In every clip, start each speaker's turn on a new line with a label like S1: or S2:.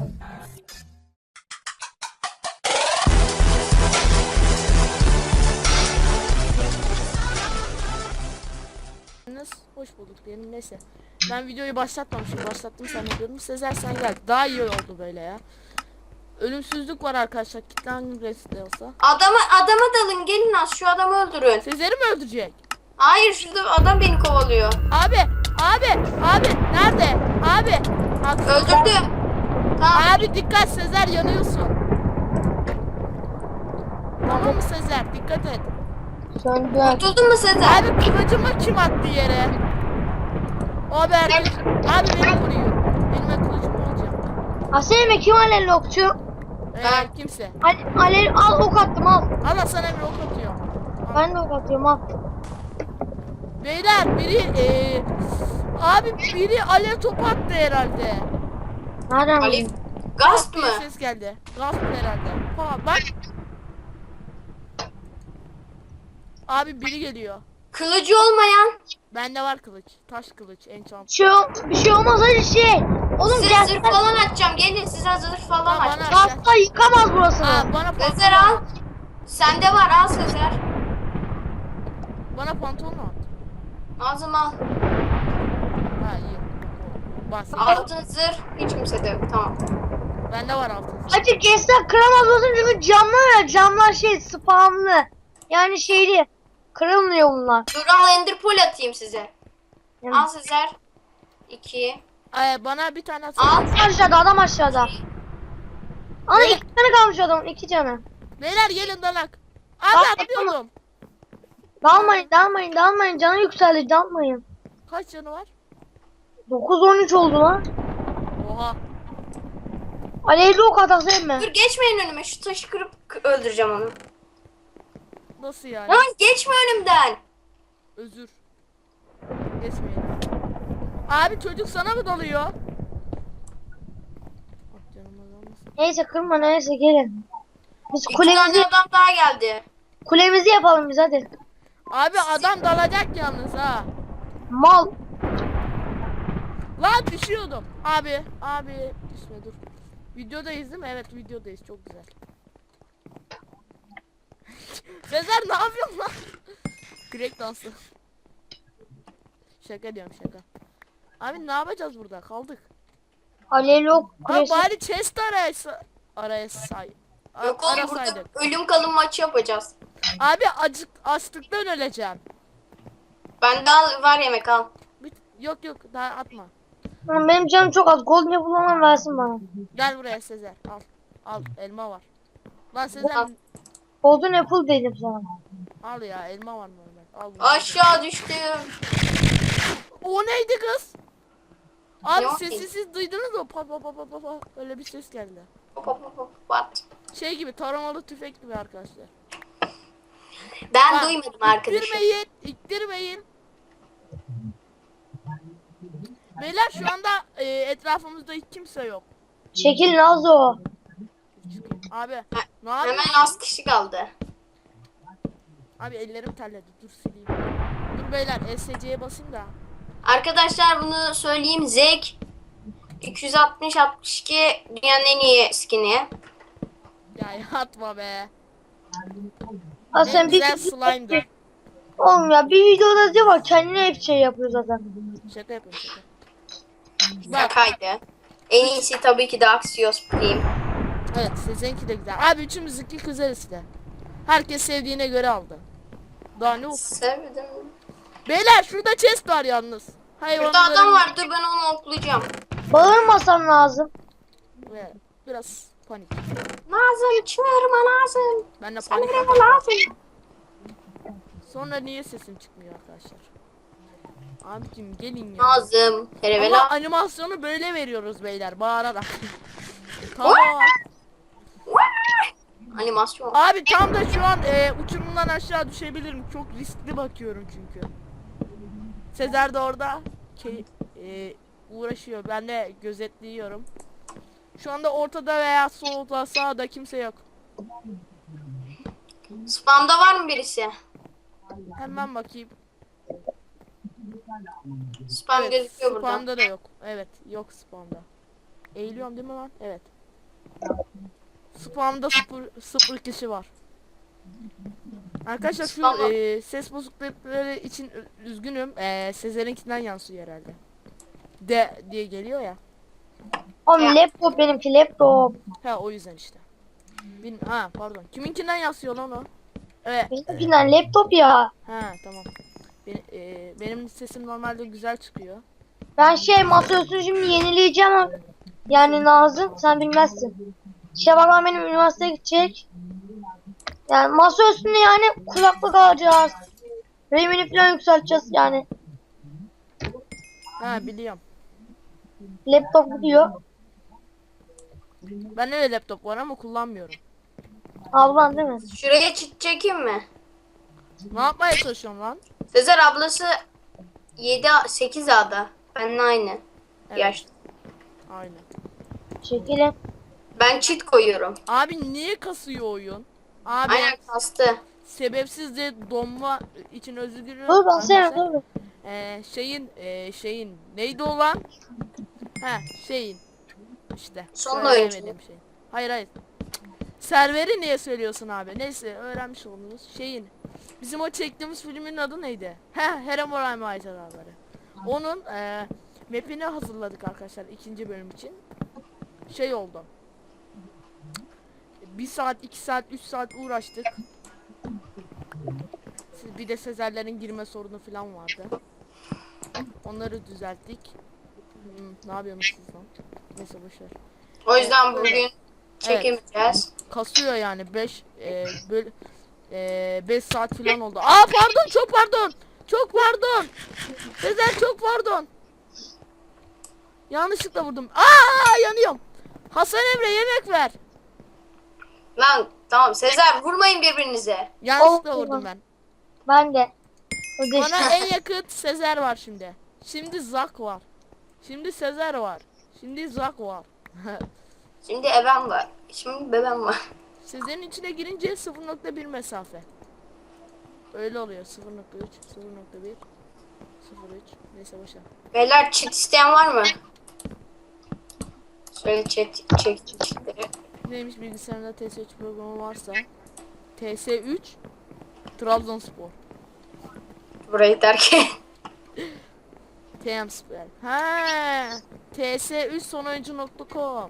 S1: Hoş bulduk diyelim, neyse. Ben videoyu başlatmamışım, başlattım zannediyorum. Sezer sen gel. Daha iyi oldu böyle ya. Ölümsüzlük var arkadaşlar. Kitlen resti olsa.
S2: Adama dalın, gelin az şu adamı öldürün.
S1: Sezer'i mi öldürecek?
S2: Hayır, şurada adam beni kovalıyor.
S1: Abi nerede? Abi.
S2: Öldürdüm. Tamam.
S1: Abi dikkat, Sezer yanıyorsun. Tamam mı Sezer? Dikkat et.
S3: Söndü.
S2: Kurtuldun mu Sezer?
S1: Abi kılıcımı kim attı yere? Abi herkes. Abi beni vuruyor. Benim kılıcım olacak.
S3: Aselime kim alel okçu?
S2: Ben.
S1: Kimse.
S3: Alel al ok attım al.
S1: Allah sana bir ok atıyor.
S3: Ben de ok atıyorum al.
S1: Beyler biri abi biri alev topu attı herhalde.
S3: Nereden
S2: Ali
S3: buldun?
S2: Gasp
S1: Bir
S2: mı?
S1: ses geldi. Gasp herhalde. Ha bak. Abi biri geliyor.
S2: Kılıcı olmayan.
S1: Bende var kılıç. Taş kılıç enchant.
S3: Bir şey olmaz hadi şey. Oğlum
S2: Size
S3: gel.
S2: zırh falan atacağım. Gelin size zırh falan
S1: Bana
S2: atacağım.
S3: Gazla yıkamaz burasını.
S1: bana
S2: Sezer
S1: pantolon
S2: al.
S1: at.
S2: Sende var, al Sezer.
S1: Bana pantolon at.
S2: Ağzım al.
S1: Ha iyi. Bas.
S2: Altın zırh hiç kimsede yok. Tamam.
S1: Bende var altın.
S3: Hacı gençler kıramaz burasını çünkü camlar ya. Camlar şey spamlı. Yani şeyli. Kırılmıyor bunlar.
S2: Dur al enderpearl atayım size.
S3: Yani.
S2: Al Sezer. 2.
S1: Bana bir tane at.
S2: Al.
S3: Aşağıda adam aşağıda. Ana iki tane kalmış adamın 2 canı.
S1: Beyler gelin dalak.
S3: Bak,
S1: Abi atlıyordum.
S3: Dalmayın canı yükseldi dalmayın.
S1: Kaç canı var?
S3: 9-13 oldu lan.
S1: Oha.
S3: Alevli ok atası emme.
S2: Dur geçmeyin önüme. Şu taşı kırıp öldüreceğim onu.
S1: Nasıl yani?
S2: Lan geçme önümden.
S1: Özür. Geçmeyin. Abi çocuk sana mı dalıyor? Ah canım adamsın.
S3: Neyse kırma neyse gelin. Biz
S2: 2 tane adam daha geldi.
S3: kulemizi yapalım biz hadi.
S1: Abi adam dalacak yalnız ha.
S3: Mal.
S1: Lan düşüyordum. Abi düşme dur. Videodayız değil mi? Evet videodayız, çok güzel. Sezer ne yapıyorsun lan? Crack dansı. Şaka diyorum şaka. Abi ne yapacağız burada? Kaldık.
S3: Alevli ok
S1: Abi
S3: kulesi.
S1: bari chest araya say.
S2: Yok oğlum burada
S1: Arasaydık.
S2: ölüm kalım maçı yapacağız.
S1: Abi açlıktan öleceğim.
S2: Bende al, var yemek al.
S1: Yok daha atma.
S3: Lan benim canım çok az. Golden apple olan versin bana.
S1: Gel buraya Sezer. Al elma var. Lan Sezer
S2: Al.
S3: Golden apple dedim sana.
S1: al ya, elma var normal. Al bunu.
S2: Aşağı düştüm.
S1: O neydi kız? Abi
S2: Yok
S1: sesi siz duydunuz mu? Pa pa pa pa pa pa. Öyle bir ses geldi.
S2: Hop hop hop hop. What?
S1: Şey gibi, taramalı tüfek gibi arkadaşlar.
S2: Ben
S1: Bak,
S2: duymadım arkadaşım.
S1: İttirmeyin. Beyler şu anda etrafımızda hiç kimse yok.
S3: Çekil Nazo.
S1: Abi ne
S2: Hemen
S1: yapıyorsun?
S2: az kişi kaldı.
S1: Abi ellerim terledi. Dur sileyim. Dur beyler SC'ye basayım da.
S2: Arkadaşlar bunu söyleyeyim. Zek 260-62 dünyanın en iyi skin'i.
S1: Ya atma be.
S3: Ha
S1: En
S3: sen bir
S1: güzel slime'dı.
S3: oğlum ya bir videoda diyor bak kendine hep şey yapıyor zaten.
S1: Şaka yapıyorum şaka. Bak
S2: Şakaydı. En iyisi tabii ki de Axios Prime.
S1: evet sizinki de güzel. Abi üçümüzünki güzel işte. Herkes sevdiğine göre aldı. Daha ne olsun.
S2: Sevdim.
S1: Beyler şurada chest var yalnız.
S2: Burada adam var. Dur ben onu oklayacağım.
S3: Bağırmasam lazım.
S1: Ve biraz panik.
S2: Lazım çığırma lazım.
S1: Ben de
S2: Sen
S1: panik.
S2: nereye lazım?
S1: Sonra niye sesim çıkmıyor arkadaşlar? Abicim gelin ya.
S2: Lazım.
S1: Ama
S2: Terevela.
S1: animasyonu böyle veriyoruz beyler, bağırarak. Tamam.
S2: Animasyon.
S1: Abi tam da şu an uçurumdan aşağı düşebilirim. Çok riskli bakıyorum çünkü. Sezer de orada uğraşıyor. Ben de gözetliyorum. Şu anda ortada veya solda sağda kimse yok.
S2: Spam'da var mı birisi?
S1: Hemen bakayım.
S2: Spam
S1: Evet,
S2: gözüküyor burada.
S1: spamda da yok. Evet, yok spamda. Eğiliyorum değil mi lan? Evet. Spamda sıfır kişi var. Arkadaşlar şu
S2: Tamam.
S1: ses bozuklukları için üzgünüm. Sezer'inkinden yansıyor herhalde. De diye geliyor ya.
S3: Oğlum
S2: Ya.
S3: laptop benimki laptop.
S1: Ha o yüzden işte. Ha pardon. Kiminkinden yansıyor lan o? Evet.
S3: Benimkinden laptop ya.
S1: Ha tamam. Benim sesim normalde güzel çıkıyor.
S3: Ben masaüstünü şimdi yenileyeceğim ama yani Nazım sen bilmezsin. Şevval benim üniversiteye gidecek. Yani masaüstünde yani kulaklık alacağız. RAM'ini falan yükselteceğiz yani.
S1: Ha biliyorum.
S3: Laptop gidiyor.
S1: Ben de laptop var ama kullanmıyorum.
S3: Ablan değil mi?
S2: Şuraya çit çekeyim mi?
S1: Ne yapmaya çalışıyorsun lan?
S2: Sezer ablası 8 A'da. Benimle aynı
S1: Evet.
S2: yaşta.
S1: Aynen.
S3: Çekilin.
S2: Ben çit koyuyorum.
S1: Abi niye kasıyor oyun? Abi
S2: Aynen kastı.
S1: sebepsiz de donma için özür diliyorum.
S3: Dur ben sen
S1: arkadaşlar.
S3: dur.
S1: Şeyin neydi o lan? Şeyin işte.
S2: Son
S1: söyleyemedim
S2: oyuncu.
S1: şey. Hayır. Serveri niye söylüyorsun abi? Neyse öğrenmiş oldunuz. Bizim o çektiğimiz filmin adı neydi? Herobrine maceraları. Onun map'ini hazırladık arkadaşlar ikinci bölüm için. Şey oldu. 1 saat, 2 saat, 3 saat uğraştık. Bir de Sezerlerin girme sorunu falan vardı. Onları düzelttik. Ne yapıyorsunuz siz lan? Neyse boşver.
S2: O yüzden
S1: Evet,
S2: bugün çekemeyeceğiz.
S1: Kasıyor yani 5 saat falan oldu. Aa pardon, çok pardon. Çok pardon. Sezer çok pardon. Yanlışlıkla vurdum. Aa yanıyorum. Hasan Emre yemek ver.
S2: Lan tamam Sezer vurmayın birbirinize.
S1: Yanlışlıkla
S3: Oh,
S1: vurdum ben.
S3: Ben de.
S1: Bana en yakın Sezer var şimdi. Şimdi Zak var. Şimdi Sezer var. Şimdi Zak var.
S2: Şimdi ebem var. Şimdi bebem var.
S1: Sezer'in içine girince 0.1 mesafe. Öyle oluyor. 0.3, 0.1, 0.3. Neyse boşver.
S2: Beyler çit isteyen var mı? Şöyle çitleri.
S1: Neymiş bilgisayarında TS3 programı varsa. TS3 Trabzonspor.
S2: Burayı terk et.
S1: TM Spor. Ha, TS3 sonoyuncu.com.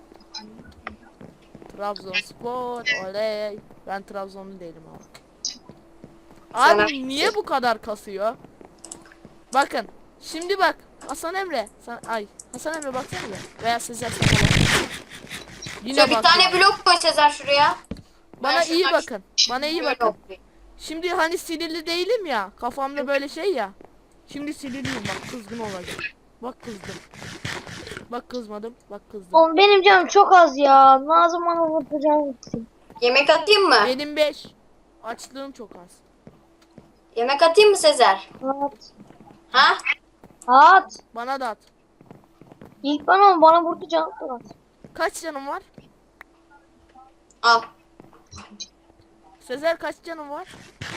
S1: Trabzonspor. Oley. Ben Trabzonlu değilim abi.
S2: Sana-
S1: Abi niye bu kadar kasıyor? Bakın. Şimdi bak. Hasan Emre. Hasan Emre baksana bir. Veya Sezer sana bak. Yine
S2: Şöyle bir
S1: bak.
S2: tane blok koy Sezer şuraya.
S1: Bana
S2: Ben
S1: iyi
S2: şuradan
S1: bakın. Bana iyi
S2: şöyle
S1: bakın.
S2: okuyayım.
S1: Şimdi hani sinirli değilim ya. Kafamda böyle şey ya. Şimdi sinirliyim bak, kızgın olacağım. Bak kızdım. Bak kızmadım. Bak kızdım.
S3: Oğlum benim canım çok az ya. Nazım bana vuracağım gitsin.
S2: Yemek atayım mı?
S1: Benim 5. Açlığım çok az.
S2: Yemek atayım mı Sezer?
S3: At.
S2: Ha?
S3: At.
S1: Bana da at.
S3: İlk bana vurdu canım çok az.
S1: Kaç canım var?
S2: Al.
S1: Sezer kaç canım var?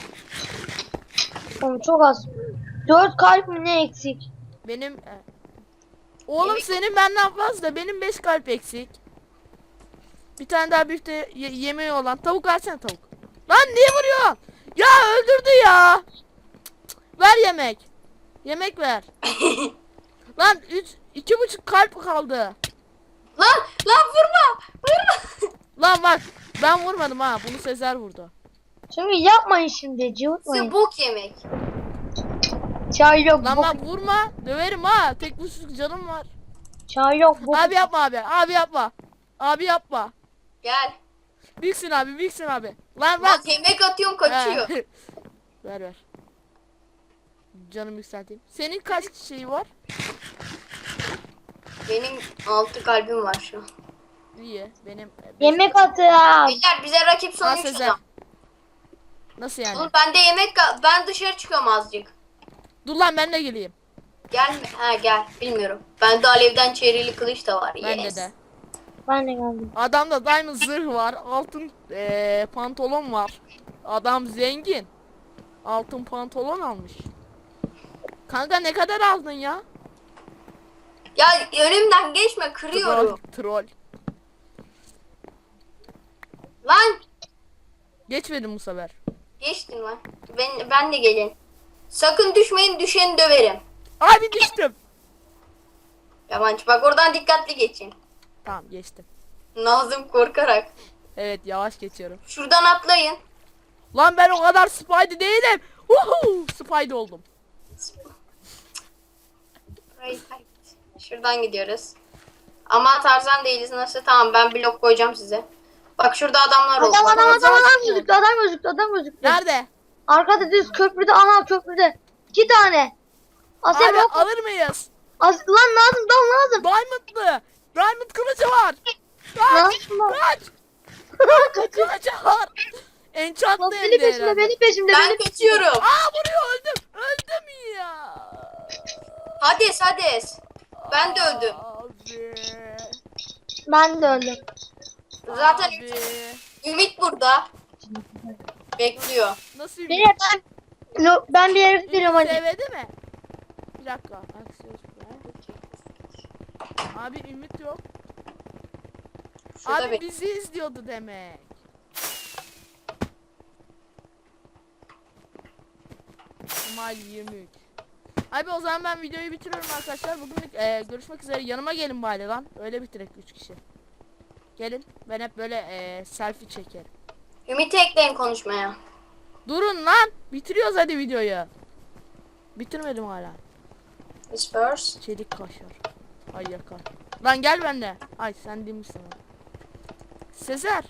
S3: Oğlum çok az. 4 kalp mi ne eksik?
S1: Benim oğlum senin benden fazla. Benim 5 kalp eksik. Bir tane daha büyükte yemeği olan tavuk versene tavuk. Lan niye vuruyor? Ya öldürdü ya. Ver yemek. Yemek ver. Lan 2,5 kalp kaldı.
S2: Lan vurma. Vurma.
S1: Lan bak ben vurmadım ha. Bunu Sezer vurdu.
S3: Şimdi yapmayın şimdi cıvıtmayın.
S2: Size bok yemek.
S3: Çay yok.
S1: Lan
S3: Bok.
S1: bak vurma. Döverim ha. Tek buçuk canım var.
S3: Çay yok. Bok.
S1: Abi yapma abi. Abi yapma. Abi yapma.
S2: Gel.
S1: Büyüksün abi. Büyüksün abi. Lan
S2: Bak
S1: bak.
S2: yemek atıyorum kaçıyor.
S1: He. ver. Canım yükselteyim. Senin kaç şeyi var?
S2: Benim 6 kalbim var şu an.
S1: İyi. Benim
S3: Yemek atın.
S2: Beyler bize rakip son
S1: Ha,
S2: 3
S1: Sezer.
S2: adam.
S1: Nasıl yani?
S2: Oğlum ben de ben dışarı çıkıyorum azıcık.
S1: Dur lan ben de geleyim.
S2: Gelme. Ha gel. Bilmiyorum. Bende alevden çevrili kılıç da var.
S1: Bende
S2: Yes.
S1: de.
S3: Ben de geldim.
S1: Adamda diamond zırh var. Altın pantolon var. Adam zengin. Altın pantolon almış. Kanka ne kadar aldın ya?
S2: Ya önümden geçme kırıyorum.
S1: Troll.
S2: Lan
S1: Geçmedim bu sefer.
S2: geçtin lan. Ben de gelin. Sakın düşmeyin, düşeni döverim.
S1: Abi düştüm.
S2: Yabancı bak oradan dikkatli geçin.
S1: Tamam geçtim.
S2: Nazım korkarak.
S1: Evet yavaş geçiyorum.
S2: Şuradan atlayın.
S1: Lan ben o kadar Spidey değilim. Uhu, Spidey oldum.
S2: Hayır, hayır. Şuradan gidiyoruz. Ama Tarzan değiliz nasıl? Tamam ben blok koyacağım size. Bak şurada adamlar oldu.
S3: Adam gözüktü.
S1: Nerede?
S3: Arkada düz köprüde, ana köprüde. 2 tane. Asya
S1: Abi
S3: bak.
S1: alır mıyız?
S3: Lan lazım.
S1: Diamond'lı. Diamond kılıcı var. Kaç.
S3: Lazım.
S1: Kaç. Kılıcı var. Enchantlı hem
S3: Beni
S1: de
S3: peşimde,
S1: herhalde.
S3: beni peşimde.
S2: Ben kaçıyorum.
S1: Aa vuruyor öldüm. Öldüm ya.
S2: Hades. Ben de öldüm.
S1: Abi.
S3: Ben de öldüm.
S2: Zaten
S1: Abi.
S2: Ümit burada. Bekliyor.
S1: Nasıl
S3: Beni ben bir yere gidiyorum hadi.
S1: Sevdi mi? Bir dakika. Abi Ümit yok.
S2: Şurada
S1: Abi
S2: bek-
S1: bizi izliyordu demek. Kemal 23. Abi o zaman ben videoyu bitiriyorum arkadaşlar. Bugünlük görüşmek üzere. Yanıma gelin bari lan. Öyle bitirek 3 kişi. Gelin. Ben hep böyle selfie çekerim.
S2: Ümit'i ekleyin konuşmaya.
S1: Durun lan. Bitiriyoruz hadi videoyu. Bitirmedim hala.
S2: Whispers.
S1: Çelik kaşar. Ay yakar. Lan gel benimle. Ay sen değil misin? Sezer.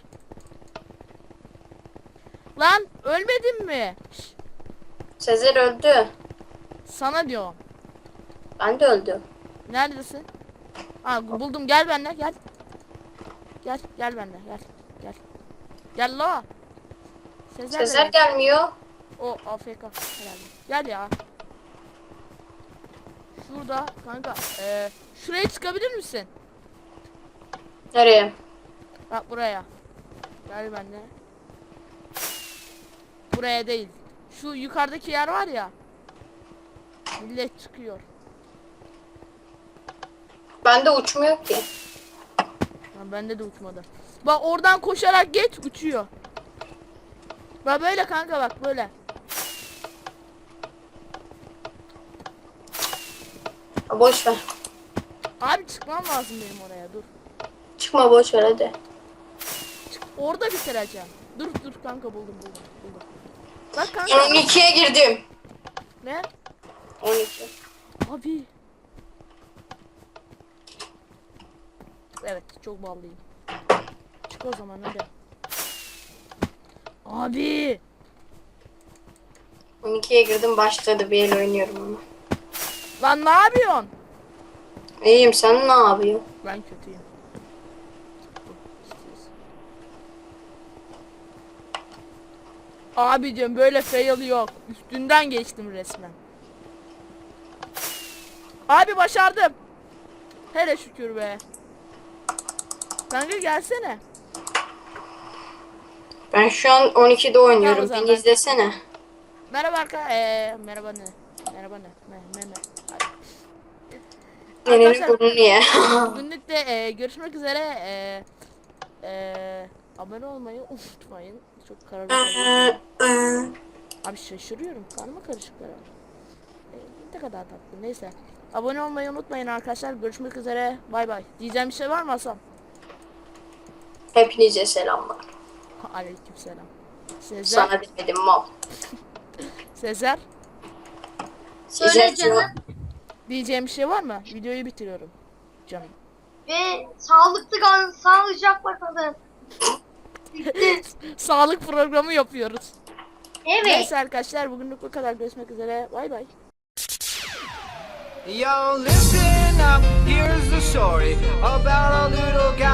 S1: Lan ölmedin mi? Şş,
S2: Sezer öldü.
S1: sana diyorum.
S2: Ben de öldüm.
S1: Neredesin? Ha buldum gel benimle gel. Gel benimle gel. Gel la.
S2: Sezer
S1: nerede?
S2: gelmiyor.
S1: O AFK herhalde. Gel ya. Şurada kanka. Şuraya çıkabilir misin?
S2: Nereye?
S1: Bak buraya. Gel benimle. Buraya değil. Şu yukarıdaki yer var ya. Millet çıkıyor.
S2: Bende uçmuyor ki.
S1: Lan bende de uçmadı. Bak oradan koşarak geç uçuyor. Bak böyle kanka bak böyle.
S2: Ha, boş ver.
S1: Abi çıkmam lazım benim oraya dur.
S2: Çıkma boş ver hadi.
S1: Çık, orada bitireceğim. Dur kanka buldum. Bak
S2: Ben
S1: kanka.
S2: 12'ye girdim.
S1: Ne?
S2: 12.
S1: Abi. Evet çok ballıyım. Çık o zaman hadi. Abi.
S2: 12'ye girdim başladı bir el oynuyorum ama.
S1: Lan ne yapıyorsun?
S2: İyiyim sen ne yapıyorsun?
S1: Ben kötüyüm. Abicim böyle fail yok. Üstünden geçtim resmen. Abi başardım. Hele şükür be. Kanka gelsene.
S2: Ben şu an 12'de
S1: Tamam, o
S2: oynuyorum.
S1: zaman
S2: Beni
S1: ben-
S2: izlesene.
S1: Merhaba merhaba ne? Merhaba ne?
S2: Senin
S1: Arkadaşlar
S2: burnunu ye.
S1: bugünlük de görüşmek üzere. Abone olmayı unutmayın. Çok kararlı. Abi şaşırıyorum. Karma karışıklar. Ne kadar tatlı. Neyse. Abone olmayı unutmayın arkadaşlar. Görüşmek üzere. Bay bay. Diyeceğim bir şey var mı Hasan?
S2: Hepinize selamlar.
S1: Aleykümselam. Sezer.
S2: Sana demedim mal.
S1: Sezer.
S3: Söyle
S2: Sezer
S3: canım.
S2: diyor,
S1: Diyeceğim bir şey var mı? Videoyu bitiriyorum. Canım.
S3: Ve sağlıklı kalın, sağlıcakla kalın.
S1: Sağlık programı yapıyoruz.
S3: Evet.
S1: Neyse arkadaşlar bugünlük bu kadar. Görüşmek üzere. Bay bay.
S4: Yo, listen up, here's the story about a little guy.